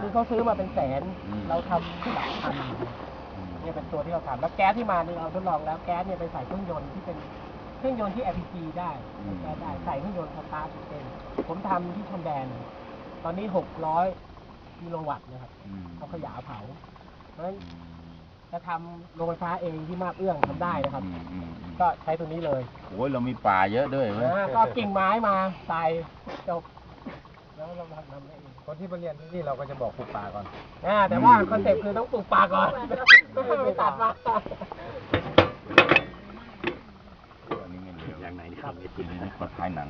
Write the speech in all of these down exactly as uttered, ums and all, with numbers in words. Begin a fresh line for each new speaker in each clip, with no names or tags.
คือเขาซื้อมาเป็นแสนเราทำหลักพันเนี่ยเป็นตัวที่เราทำแล้วแก๊สที่มาเนี่ยเราทดลองแล้วแก๊สเนี่ยไปใส่เครื่องยนต์ที่เป็นเครื่องยนต์ที่ แอล พี จี ได้แก๊สได้ใส่เครื่องยนต์สตาร์ทเป็นผมทำที่ชนแดนตอนนี้หกร้อยกิโลวัตต์นะครับเขาขยายเผาเพราะฉะนั้นจะทำโรงไฟฟ้าเองที่มาบเอื้องทำได้นะครับก็ใช้ตัวนี้เลย
โอ้ยเรามีป่าเยอะด้วยไหม
ก็กิ่งไม้มาใส่จบแล้วเราทำทำได้เอง
คนที่มาเรียนที่นี่เราก็จะบอกปลูกป่าก่อน
อ่าแต่ว่าคอนเซ็ปต์คือต้องปลูกป่าก่อนไม่ตัดมา
อันนี้ไม่เหลืออย่างไหนนี่ครับคือนี่ขอถ่ายหนัง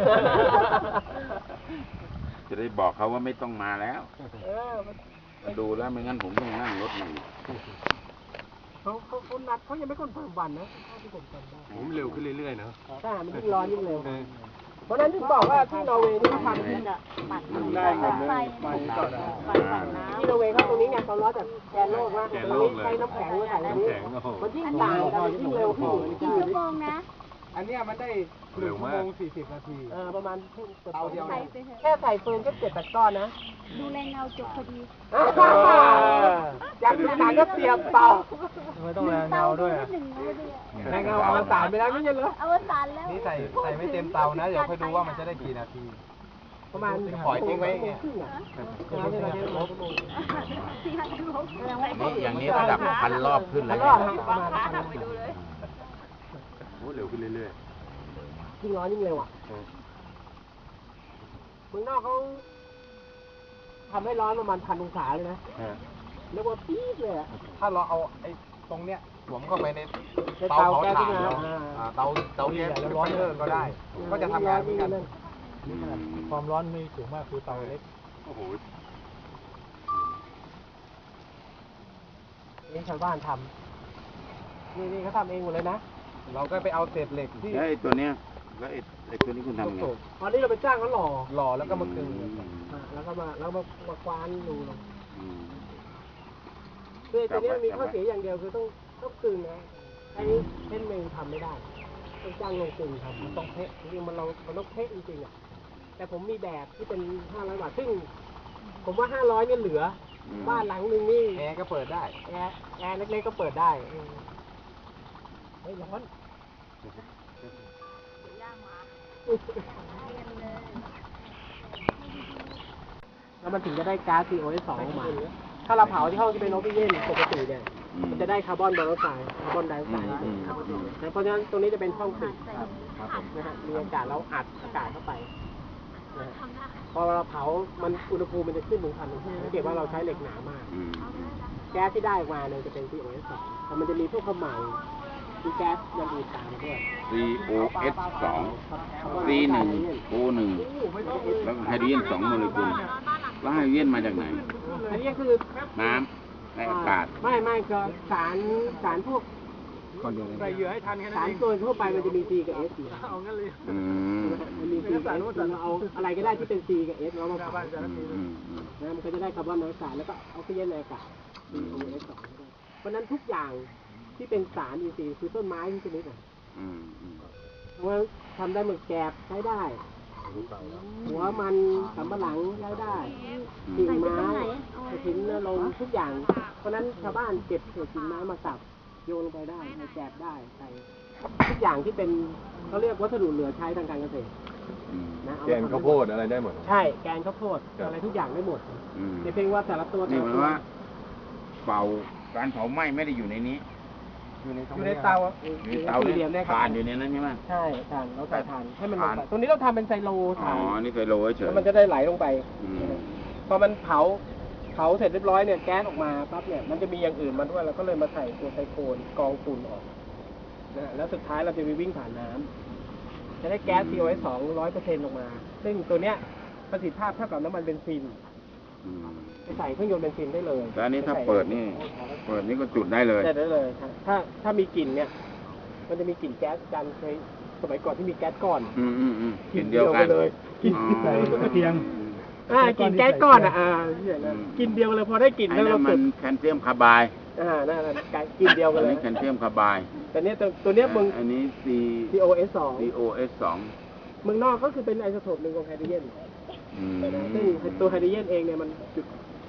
จะได้บอกเขาว่าไม่ต้องมาแล้วมาดูแล้วไม่งั้นผมต้องนั่งรถหนึ่ง
เขาเขาเขานัดเขายังไม่คอนเฟิร์มวันนะที่ผมจำได้
ผมเร็วขึ้นเรื่อยๆนะ
ใช่มันยิ่งร้อนยิ่งเร็วเพราะนั้นถึงบอกว่าที่นอร์เวย์นี่เขาทำที่
ได้ครับไฟไฟ
ที่นอร์เวย์เขาตรงนี้ไงเขาล้อจากแกนโลกว่าตรงนี้ใช้น้ำแข็งมาใส่ตรงนี้มันยิ่งต่างกันยิ่งเร็วขึ้น
กี่ชั่วโมงนะ
อันนี้มันได้หนึ่งชั่วโมงสี่สิบนาที
เออประมาณเตาเดียวแค่ใส่เฟืองก็เจ็ดแปดก้อนนะ
ดูแลเงาจบพอดี
อยากดูหนังก็เตรียมเตา
ไม่ต้องแรงเงาด้วยแรงเงาเอาสารไปแล้วไม่ใช่เหรอ
เอาสารแล้ว
นี่ใส่ใส่ไม่เต็มเตานะเดี๋ยวค่อยดูว่ามันจะได้กี่นาที
ประมาณ
ปล่อยทิ้งไว้
นี่อย่างนี้ระดับพันรอบขึ้นแล้วโอ้เร็วขึ้นเรื่อย
ๆยิ่งร้อนยิ่งเร็วอ่ะเมืองนอกเขาทำให้ร้อนประมาณพันองศาเลยนะเรียกว่าปี๊ดเลยอ่ะ
ถ้าเราเอาไอ้ตรงเนี้ยสวมเข้าไปในเตาเผาถ่านเตาเตาแก๊สร้อนเพิ่มก็ได้ก็จะทำงานเหมือนกันความร้อนไม่สูงมากคือเตาเล็ก
โอ้โห
นี่ชาวบ้านทำนี่นี่เขาทำเองหมดเลยนะ
เราก็ไปเอาเศษเหล็กที่
ไอ้ตัวเนี้ยแล้วไอ้ไอ้ตัวนี้คุณทำไง
ตอนนี้เราไปจ้างเขาหล่อ
หล่อแล้วก็มากึ่ง
แล้วก็มาแล้วมามาควานดูลงคือตัวนี้มีข้อเสียอย่างเดียวคือต้องต้องกึ่งนะไอ้นี้เส้นเมงทำไม่ได้ต้องจ้างลงกึ่งทำมันต้องเทะจริงๆมันเราเราต้องเทะจริงๆอ่ะแต่ผมมีแบบที่เป็นห้าร้อยบาทซึ่งผมว่าห้าร้อยเนี่ยเหลือบ้านหลังนึงนี่
แอร์ก็เปิดได้
แอร์แอร์เล็กๆก็เปิดได้เฮ้ยร้อนแล้วมันถึงจะได้ก๊าซ ซี โอ เอส สอง ออกมาถ้าเราเผาที่ห้องที่เป็นออกซิเจนปกติเนี่ยมันจะได้คาร์บอนมอนอกไซด์คาร์บอนไดออกไซด์เพราะฉะนั้นตรงนี้จะเป็นช่องปิดนะฮะมีอากาศแล้วอัดอากาศเข้าไปพอเราเผามันอุณหภูมิมันจะขึ้นถึงพันองศาสังเกตว่าเราใช้เหล็กหนามากแก๊สที่ได้ออกมาเนี่ยจะเป็น ซี โอ เอส สอง แต่มันจะมีพวกขมเหลามีแก๊สอย่างอื่นตามมาด้วย
ซี โอ เอส สอง ซี หนึ่ง โอ หนึ่งแล้วไฮโดรเจนสองโมเลกุลแล้วไฮโดรเจนมาจากไหน
อันนี้คือ
น้ำในอากาศ
ไม่ไม่ก็สารสารพวก
ใส่เหยื่อให้ทันแค่นั้น
สารตัวทั่วไปมันจะมี C กับ S
เอางั้นเลย
มันมี C กับ S เราเอาอะไรก็ได้ที่เป็น C กับ S เรามาเผานะมันก็จะได้คาร์บอนมอนอกไซด์แล้วก็ออกซิเจนในอากาศ ซี โอ เอส สอง เพราะนั้นทุกอย่างที่เป็นสารอินทรีย์คือต้นไม้ที่ชนิดอ่ะว่าทำได้เหมือนแกบใช้ได้หัวมันสำปะหลังใช้ได้กิ่งไม้กระถิ่นลมทุกอย่างเพราะนั้นชาวบ้านเก็บเศษกิ่งไม้มาสับโยนลงไปได้แกบได้ใส่ทุกอย่างที่เป็นเขาเรียกวัสดุเหลือใช้ทางการเกษตร
นะแกนข้าวโพดอะไรได้หมด
ใช่แกนข้าวโพดอะไรทุกอย่างได้หมดแต่เพียงว่าแต่ละตัว
นี่หมายว่าเป่าการเผาไหม้ไม่ได้อยู่ในนี้
อยู่ในอยู่ในเตา
อยู่ในเตาเนี่ยถ่านอยู่ในนั้นใช่ไหม
ใช่ถ่านเราใส่ถ่านให้มันลงไปตรงนี้เราทำเป็นไซโล
ถ่านอ๋อนี่ไซโลเฉย
มันจะได้ไหลลงไปพอมันเผาเผาเสร็จเรียบร้อยเนี่ยแก๊สออกมาปั๊บเนี่ยมันจะมีอย่างอื่นมาด้วยเราก็เลยมาใส่ตัวไซโคนกองฝุ่นออกนะแล้วสุดท้ายเราจะไปวิ่งผ่านน้ำจะได้แก๊ส ซี โอ เอส สอง ร้อยเปอร์เซ็นต์ออกมาซึ่งตัวเนี้ยประสิทธิภาพเท่ากับน้ำมันเบนซินไปใส่เครื่องยนต์เบนซินได้เลย
แต่อันนี้ถ้าเปิดนี่เปิดนี่ก็จุดได้เลย
ได้เลยถ้าถ้ามีกลิ่นเนี่ยมันจะมีกลิ่นแก๊สกันเคยสมัยก่อนที่มีแก๊สก้อน
อืมอืมอืมกลิ่นเดียวกัน
เลยกลิ่นใส่กระเทียมอ่ากินแก๊สก้อนอ่ะอ่ากินเดียวเลยพอได้กลิ่น
แล้วเรามันแคลเซียมคาร์บาย
อ่านั่นแหละกินเดียวกันเลย
แคลเซียมคาร์บาย
แต่เนี้ยตัวเนี้ยมึง
อันนี้ C
ซี โอ เอส สอง
ซี โอ เอส สอง
เมืองนอกก็คือเป็นไอโซโทปหนึ่งของไฮโดรเจนซึ่งตัวไฮโดรเจนเองเนี่ยมันจุด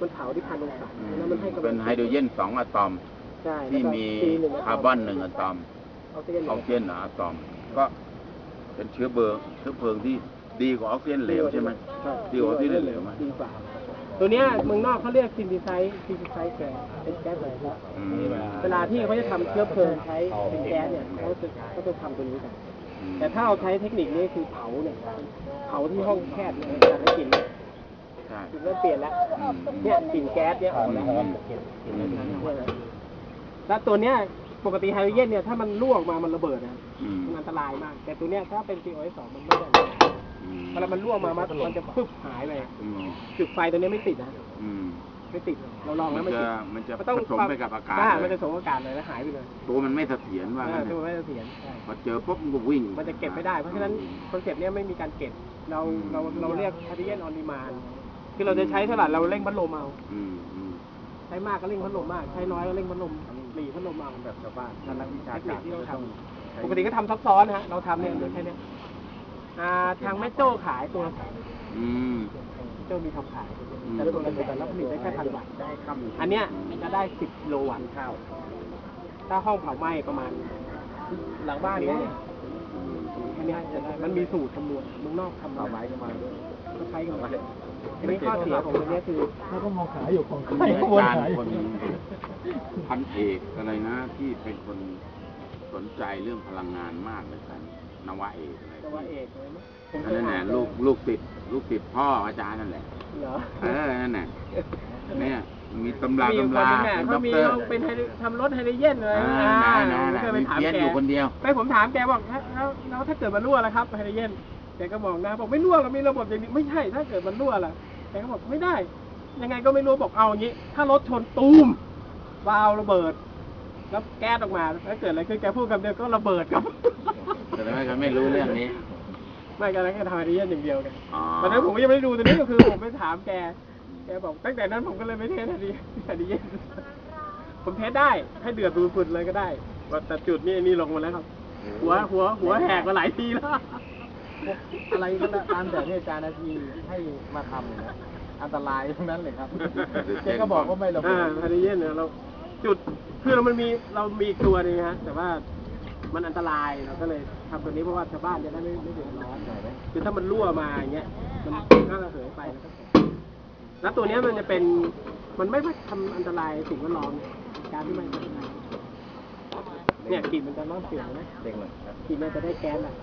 มันเผาที่พันองศาแล้วมันให้กำลัง
เป็นไฮโดรเจนสองอะตอม
ใช่
ที่มี
แล้วก็ C หนึ่ง
คาร์บอนหนึ่งอะตอม
ออกซิเจน
ออกซิเจนหนึ่งอะตอม ก็เป็นเชื้อเบอร์เชื้อเพลิงที่ดีกว่าออกซิเจนเหลวใช่ไหมดีกว่าออกซิเจนเหลวไหม
ดีกว่าตัวเนี้ยเมืองนอกเขาเรียกซินดิไซซ์ซินดิไซซ์แก๊สเป็นแก๊สอะไรครับ
อืม
เวลาที่เขาจะทำเชื้อเพลิงใช้เป็นแก๊สเนี่ยเขาจะเขาจะทำตัวนี้กัน แต่ถ้าเราใช้เทคนิคนี้คือเผาเนี่ยเผาที่ห้องแคบเนี่ยจะได้กลิ่นเนี่ย
ใช่
กลิ่นเริ่มเปลี่ยนแล้ว
อืม
เนี่ยกลิ่นแก๊สเนี่ยออกแล้ว
อืม
แล้วตัวเนี้ยปกติไฮโดรเจนเนี่ยถ้ามันรั่วออกมามันระเบิดนะ
อืม
มันอันตรายมาก แต่ตัวเนี้ยถ้าเป็น ซี โอ เอส สองมันไม่ได้
อืม
เวลามันรั่วมามันมันจะพึบหายไป
อืม
จุดไฟตัวเนี้ยไม่ติดนะ
อืม
ไม่ติดเราลอง
มั
แล้ว
น
ไม่
จะ
ติด
มันจะ
มันต้อง
ผสมไปกับอากาศ
ใช่
เล
มัน
ย
จะผสมอากาศเลยแล้วหายไปเลย
ตัวมันไม่เสถียรว่า
เอ
งั้
อน
เถ
ตัว
อะ
ไม่เสถียรใช่
พอเจอปุ๊บมันก็วิ่ง
มันจะเก็บไม่ได้ เพราะฉะนั้นคอนเซ็ปต์เนี้ยไม่มีการเก็บ เราเราเราเรียกไฮโดรเจนออนดีมานคือเราจะใช้เท่าไหร่เราเร่งพัดลมเอา
อืมอืม
ใช้มากก็เร่งพัดลมมาก ใช้น้อยก็เร่งพัดลมหลีพัดลมเอา
แบบชาวบ้านถ้านักวิชา
เทคนิ
กา
ค
ร
ที่เราท
ต้อง
ำปกติก็ทำซับซ้อนนะฮะ เราทำเนี่ยเหลือแค่เนี้ยอ่าทางแม่โจ้ขายตัว
อืม
โจ้มีทำขาย
อืม
แต่ละตัวละแต่ละผลิตได้แค่พันวัตต์ได้คำอันเนี้ยจะได้สิบกิโลวัตต์ข้าวถ้าห้องเผาไหม้ประมาณ หลังบ้านเนี้ยแค่เนี้ยจะได้มันมีสูตรคำนวณเมืองนอกทำ
เอาไม้กันมา
ก็ใช้กันมาอันนี้ข้อเสียของตัวเนี้ยคือ
เขาก็มองขายอยู่ของ
อาจารย์คนพันเอกอะไรนะ ที่เป็นคนสนใจเรื่องพลังงานมากเลยกันนวเอกอะไร
ตัวเอกเลยมั้ยผม
อั
เคน ย
นั้น
อ่า
แหละ
น
ลูกลูกติดลูกติดพ่ออาจารย์นั่นแหละ
เหรอ
เออนั่นแหละเนี่ยมีตำรา
มีอยู่คน
ตำรา
นึงเนี่ย
เป็น
เขา
ด็อก
มี
เตอร์
เอาเป็นไฮโดรทำรถไฮโดรเจนเลย
อ่า
อ่า
นะนะ
ผม
นะ
เคยไป
มี
ถาม
เพี้ยน
แก
อยู่คนเดียว
ไปผมถามแกบอกแล้วแล้วแล้วถ้าเกิดมันรั่วล่ะครับไฮโดรเจนแกก็มองหน้าบอกไม่รั่วเรามีระบบอย่างนี้ไม่ใช่ถ้าเกิดมันรั่วล่ะแกก็บอกไม่ได้ ยังไงก็ไม่รู้บอกเอาอย่างนี้ ถ้ารถชนตูมวาล์วระเบิด แล้วแก๊สออกมาแล้วเกิดอะไรขึ้นแกพูดคำเดียวก็ระเบิดครับ
แต่ไม่เขาไม่รู้เรื่องนี้
ไม่กันแล้วแกทำไฮโดรเจนอย่างเดียวกัน
อ๋อ
ตอนนั้นผมก็ยังไม่ได้ดูตัวนี้ก็คือผมไปถามแก แกบอกตั้งแต่นั้นผมก็เลยไม่เทสไฮโดรไฮโดรเจนผมเทสได้ให้เดือดปุดๆเลยก็ได้ว่าแต่จุดนี้นี่ลงมาแล้วครับ หัวหัวหัวแหกมาหลายทีแล้ว
อะไรก็ตามแต่เนี่ยอาจารย์นาทีให้มาทำเนี่ยนะอันตรายทั้งนั้นเลยครับเจ๊ก็บอกว่าไม่ระเบิ
อ่า
ด
ไฮโดรเจนเนี่ยเราจุดคือเรามันมีเรามีอีกตัวหนึงฮะแต่ว่ามันอันตรายเราก็เลยทำตัวนี้เพราะว่าชาวบ้านจะได้ไม่ไม่เดือดร้อนคือถ้ามันรั่วมาอย่างเงี้ยมันก็ระเหยไปแล้วก็เสร็จแล้วตัวเนี้ยมันจะเป็นมันไม่ไม่ทำอันตรายสิ่งแวดล้อมการที่มันอันตรายเนี่ยกลิ่นมันจะน้อนเสียงนะ
เด็กเลยครับ
กลิ่นมันจะได้แก๊สอ่ะ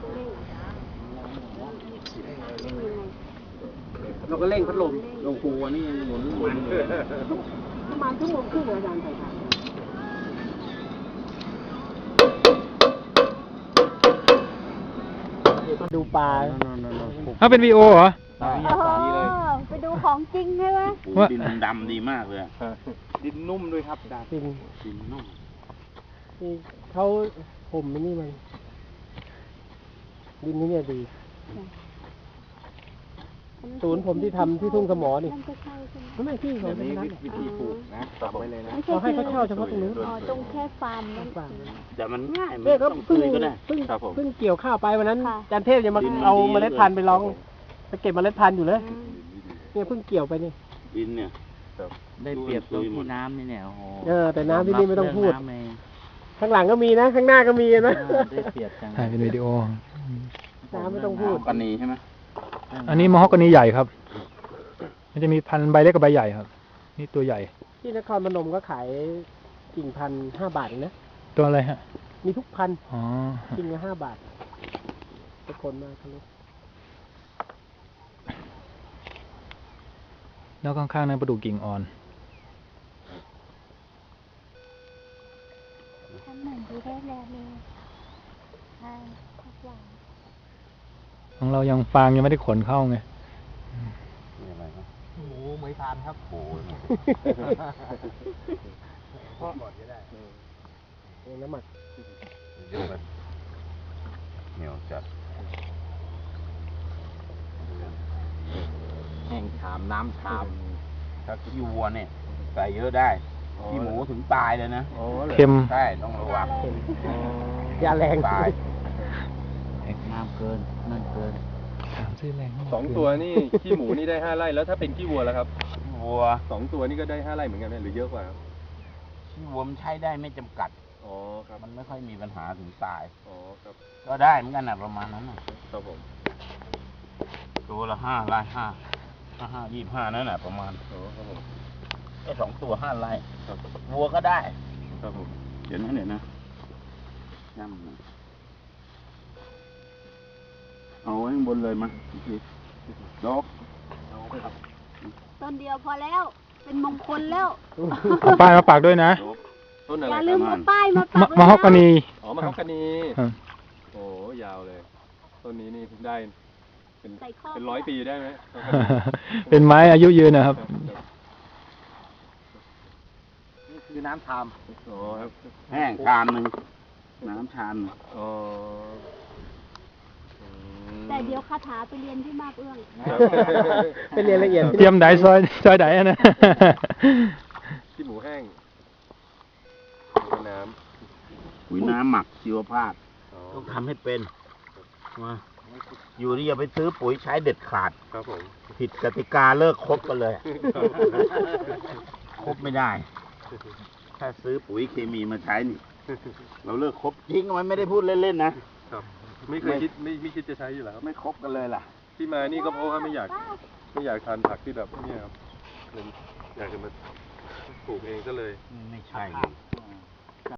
เราก็เร่งพัดลม
หลวงปู่อันนี้ยังหมุนหมุนเลย
ประมาณชั่วโมงครึ่งอาจารย์ใส่ถ่าน ดูปลา
ถ้าเป็นวีโอเหรอ
เออไปดูของจริงใช่ไหม
ปูดินดำดีมากเลยอะ
ดินนุ่มด้วยครับดา
จริง
ดินนุ่ม
ที่เขาผมนี่มันดินนี่เนี่ยดีศูนย์ผมที่ทำที่ทุ่งสมอนี่
นั่นก็ใช่ใช่ไหม
ไม่ไม่ที่ของ
เดี๋ยวนี้
นั้น
วิธีปลูกนะตอบไว้เลยนะ
ไม่
เขา
ใช่
ให้เขาเช่าเฉพาะตรงนู้น
อ๋อตรงแค่ฟาร์มนั้น
แต่มันง่ายมัน
เนี่ยก็
ต้อง
เพิ่ง
คุยก็ได้
เพิ่ง
ครับผม
เพิ่งเกี่ยวข้าวไปวันนั้น
ค่ะ
อาจารย์เทพจะมา
ดินมัน
เอา
ดี
เมล็ดพันธุ์ไปลอง
ครับผม
ไปเก็บเมล็ดพันธุ์อยู่เลย
อืม
เนี่ยเพิ่งเกี่ยวไปนี่
ดินเนี่ย
ได้เปรียบตรงที่น้ำนี่เนี่ยโอ้โห
เออแต่น้ำที่นี่ไม่ต้องพูด
ยรับเรื่น้ำเลย
ข้างหลังก็มีนะ ข้างหน้าก็มีนะ
อ่าได้เปรียบจัง
ถ่ายเป็นวิดีโอ
น้ำไม่ต้องพูด
ปันนีใช่ไหม
อันนี้มอฮอกกานีใหญ่ครับ มันจะมีพันธุ์ใบเล็กกับใบใหญ่ครับ นี่ตัวใหญ่
ที่นครพนมก็ขายกิ่งพันห้าบาทเองนะ
ตัวอะไรฮะ
มีทุกพัน
อ๋อ
กิ่งละห้าบาททุกคนมากครับลูก
แล้วข้างๆนั้นประดูกกิ่งอ่อน
ทำเหมือนที่ได้แล้วเลยใช่ทุกอย่าง
ของเรายังฟางยังไม่ได้ขนเข้าไง
นี่อะไรครับ
หมูเหมยทานครับ
โอ้ย
พ่อก่อนก็ได้
เองน้ำหมัก
เยอะไปเหนียวจัด
แห้งชามน้ำชาม
ถ้าขี้วัวเนี่ยใส่เยอะได้ขี้หมูถึงตายเลยนะ
โอ้
เค็ม
ใช่ต้องระวัง
ยาแรง
ตาย
น้ำเกินนั่นเกิน
ถามชื่อแรง
สองตัวนี่ ขี้หมูนี่ได้ห้าไร่แล้วถ้าเป็นขี้วัวแล้วครับ
โอ้โหวัว
สองตัวนี่ก็ได้ห้าไร่เหมือนกันไหมหรือเยอะกว่าครับ
ขี้วัวมันใช้ได้ไม่จำกัด
อ๋อครับ
มันไม่ค่อยมีปัญหาถึงตาย
อ๋อครับ
ก็ได้เหมือนกันนะประมาณนั้นน่ะ
ครับผม
ตัวละห้าไร่ห้าห้าห้ายี่ห้านั่นแหละประมาณ
อ๋อครับผม
ไอ้สองตัวห้าไร่
ครับ
วัวก็ได้
ครับผม
เดี๋ยวนะเดี๋ยวนะย่ำหน่อยเอาไว้ข้างบนเลยมั้ยดอก
ต้นเดียวพอแล้ว เป็นมงคลแล้ว
เอาป้ายมาปักด้วยนะ
ต้นอะ
อ
ไร
ย่า
ค
ลื
รับ
มเอาป้ายมาปั
มะ
ก
มะฮอกกานี
อ๋อมะฮอกกานี
ครับ
โอ้ยาวเลย ต้นนี้นี่ได้เป็น
ใส่ข้อ
เป็นร้อยปีได้ไหม
เป็นไม้อายุยืนนะครับ
นี่คือน้ำทาม
อ๋อครับ
แห้งชานหนึ่งน้ำชานหนึ่ง
อ๋ออืม
แต่เดี๋ยวคาถาไปเรียนที่มาบเอื้อง
ครับ
เป็นเรียนละเอียด
เตรียมไดซอยซอยไดอะนะ
ขี้หมูแห้งน้ำ
ปุ๋ยน้ำหมักชีวภาพ
อ๋อ
ต้องทำให้เป็นว่าอยู่นี่อย่าไปซื้อปุ๋ยใช้เด็ดขาด
ครับผม
ผิดกติกาเลิกคบกันเลยคบไม่ได้ ถ้าซื้อปุ๋ยเคมีมาใช้นี่ เราเลิกคบจริงมันไม่ได้พูดเล่นๆนะครับ
ไม่เคยคิดไม่ไม่คิดจะใช้อยู่แล้วครับ
ไม่คบกันเลยล่ะ
ที่มานี่ก็เพราะว่าไม่อยากไม่อยากทานผักที่แบบเนี่ยครับเลยอยากจะมาปลูกเองก็เลย
ไม่ใช่เลย